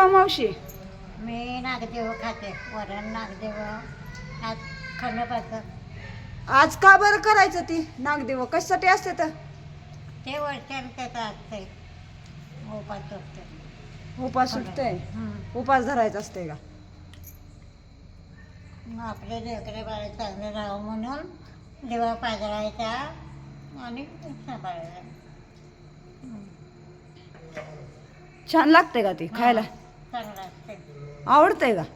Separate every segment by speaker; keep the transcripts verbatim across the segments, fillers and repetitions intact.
Speaker 1: करता मावशी?
Speaker 2: मी नागदेव खाते, वरण नागदेव आज खंडोबाचं.
Speaker 1: आज का बरं करायचं ती नागदेव कशासाठी असते तर?
Speaker 2: ते वरच्यान त्याचं असते उपास असते.
Speaker 1: उपास सुटतंय, उपास धरायचा असते का?
Speaker 2: मग आपले लेकरे बाळे चांगले राहावं म्हणून दिवा पाजरायचा आणि सांभाळायचा.
Speaker 1: छान लागते का ती खायला?
Speaker 2: चांगलं असते.
Speaker 1: आवडतंय का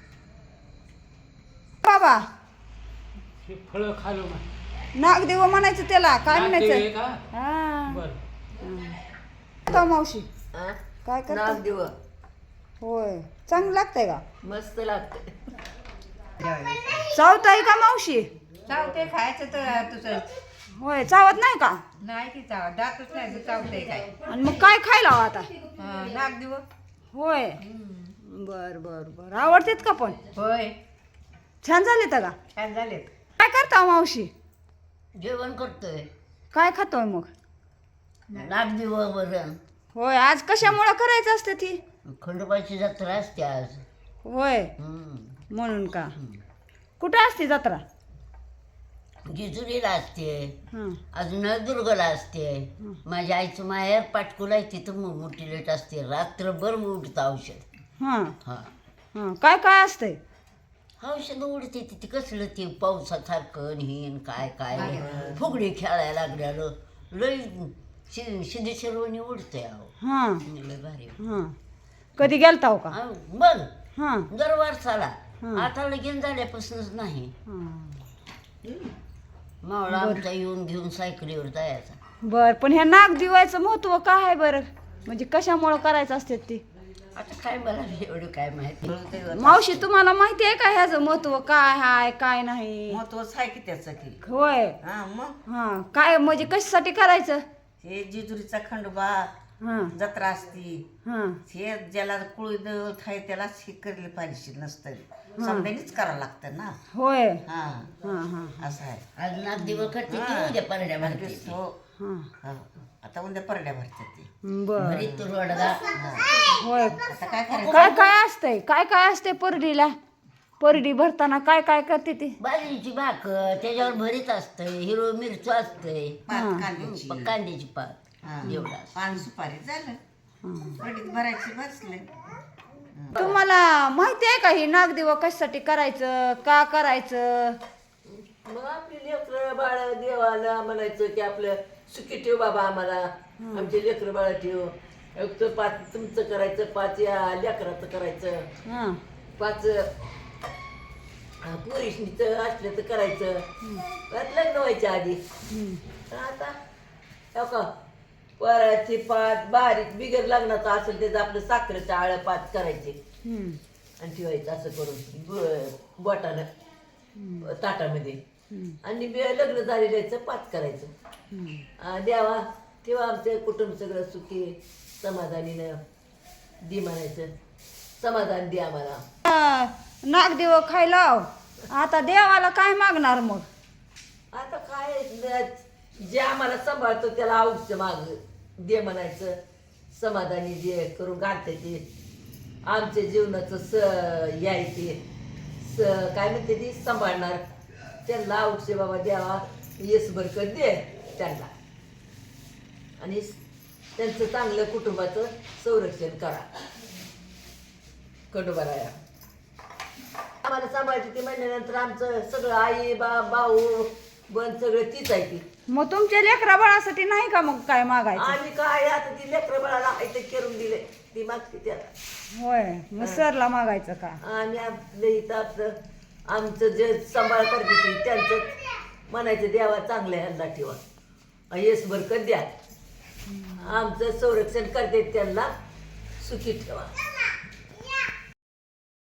Speaker 1: बाबा?
Speaker 3: फळ खालो
Speaker 1: नागदेव म्हणायचं त्याला, काय म्हणायचं?
Speaker 3: का
Speaker 1: हा
Speaker 3: बर
Speaker 1: तो मावशी
Speaker 4: आ?
Speaker 1: काय करता?
Speaker 4: नागदेव
Speaker 1: होय, चांगलं लागतंय का?
Speaker 4: मस्त लागते.
Speaker 1: चावताय का मावशी?
Speaker 5: चावते खायचं तर तुझं
Speaker 1: होय, चावत नाही का?
Speaker 5: नाही की चाव दातच नाही तर चावते काय.
Speaker 1: आणि मग काय खायला हवं आता?
Speaker 5: नाग दिव
Speaker 1: होय, बर बर बर आवडतेत का पण?
Speaker 5: होय
Speaker 1: छान झाले का?
Speaker 5: छान झालेत.
Speaker 1: काय करता मावशी?
Speaker 4: जेवण करतोय
Speaker 1: काय खातोय मग?
Speaker 4: नागदेव वरण.
Speaker 1: होय, आज कशामुळं करायचं असते ती?
Speaker 4: खंडोबाची जत्रा असते आज.
Speaker 1: होय,
Speaker 4: हम्म.
Speaker 1: म्हणून का? कुठं असते जत्रा?
Speaker 4: जिजुरीला असते,
Speaker 1: हं,
Speaker 4: अजून नळदुर्गला असते. माझ्या आईचं माहेर पाटकुला आहे, तिथं मो- मोठी लेट असते. रात्रभर उडतं औषध.
Speaker 1: हं,
Speaker 4: हा
Speaker 1: हं. काय काय असतंय?
Speaker 4: औषध उडते तिथे कसलं ते पावसासारखं हिन काय काय फुगडी खेळायला लागल्यानं लय शि सिद्धेश्वरवणी उडतंय अहो.
Speaker 1: हां
Speaker 4: लय भारी.
Speaker 1: हां कधी गेलता हो का?
Speaker 4: हा, बघ
Speaker 1: हां
Speaker 4: दर वर्षाला.
Speaker 1: हं.
Speaker 4: आता लगीन झाल्यापासूनच नाही.
Speaker 1: हां
Speaker 4: मावळा आमचा येऊन घेऊन सायकलीवर जायचा.
Speaker 1: बर, पण ह्या नाग दिवायचं महत्व काय आहे बरं? म्हणजे कशामुळं करायचं असते ती?
Speaker 4: आता काय मला एवढं काय माहिती.
Speaker 1: मावशी तुम्हाला माहिती आहे का ह्याचं महत्व काय आहे काय नाही?
Speaker 6: महत्वच आहे की त्याचं की.
Speaker 1: होय,
Speaker 6: हा मग
Speaker 1: हा काय म्हणजे कशासाठी करायचं?
Speaker 6: हे जेजुरीचा खंडोबा
Speaker 1: हा
Speaker 6: जत्रा असती.
Speaker 1: हा
Speaker 6: हे ज्याला कुळी दैवत आहे त्यालाच हे करले पाहिजे नसतं, समजायनीच करावं लागतं ना.
Speaker 1: होय,
Speaker 6: हा
Speaker 1: हा हा
Speaker 6: असं आहे.
Speaker 4: आज नागदिवं करते ती उद्या परड्या भरते ती.
Speaker 6: हो
Speaker 1: हा
Speaker 6: हो. आता उद्या परड्या भरते ते.
Speaker 1: बर,
Speaker 4: घरी तू रोडगा.
Speaker 1: होय.
Speaker 6: आता काय करायचं?
Speaker 1: काय काय असतंय काय काय असते परडीला? परडी भरताना काय काय करते ती?
Speaker 4: बाजरीची भाकर त्याच्यावर भरीत असतंय, हिरवं मिरचू असतंय,
Speaker 6: पात कांद्याची
Speaker 4: प- कांद्याची पात
Speaker 6: हा.
Speaker 4: एवढं असतं.
Speaker 6: पान सुपारी झालं, परडीत भरायची बसले.
Speaker 1: तुम्हाला माहिती आहे का ही नागदेव कशासाठी करायचं, का करायचं?
Speaker 7: मग आपली लेकरं बाळ देवाला म्हणायचं की आपलं सुखी ठेव बाबा आम्हाला, आमचे लेकरं बाळ ठेव. एक तर पाच तुमचं करायचं, पाच या लेकराचं करायचं,
Speaker 1: हा
Speaker 7: पाच पुरुषनीचं असलं तर करायचं. परत लग्न व्हायच्या आधी. तर आता हो का वराची पाच बारीक बिगर लग्नाचं असेल त्याचं आपलं साखरेचं आळं पाच करायचे
Speaker 1: हम्म.
Speaker 7: आणि ठेवायचं असं करून ब- बोटानं ताटामध्ये. आणि बे- लग्न झालेल्याचं पाच करायचं. आ, द्यावा तेव्हा आमचं कुटुंब सगळं सुखी समाधानीनं दे म्हणायचं, समाधान दे आम्हाला.
Speaker 1: आ, नागदेव खायला आव. आता देवाला काय मागणार मग?
Speaker 7: आता काय न- जे आम्हाला सांभाळतो त्याला आवडचं माग दे म्हणायचं, समाधानी दे करून घालते ते आमच्या जीवनाचं स यायचे स काय म्हणते ती सांभाळणार त्यांना आवडचे बाबा द्यावा, येस बरकत दे त्यांना आणि त्यांचं चांगलं कुटुंबाचं संरक्षण करा. खंडोबाराया आम्हाला सांभाळते ती म्हणल्यानंतर आमचं सगळं आई बा भाऊ बन सगळं तीच आहे ती.
Speaker 1: मग तुमच्या लेकरा बाळासाठी नाही का मग काय मागायचं?
Speaker 7: आम्ही काय आता ती लेकरं बाळाला आहे ते करून दिले ती मागते त्याला.
Speaker 1: होय, मग सरला मागायचं का?
Speaker 7: आणि आपलं इथं आपलं आमचं जे सांभाळ करते ती त्यांचं म्हणायचं देवा चांगल्या ह्यांना ठेवा, येस बरकत द्या, आमचं संरक्षण करते त्यांना सुखी ठेवा.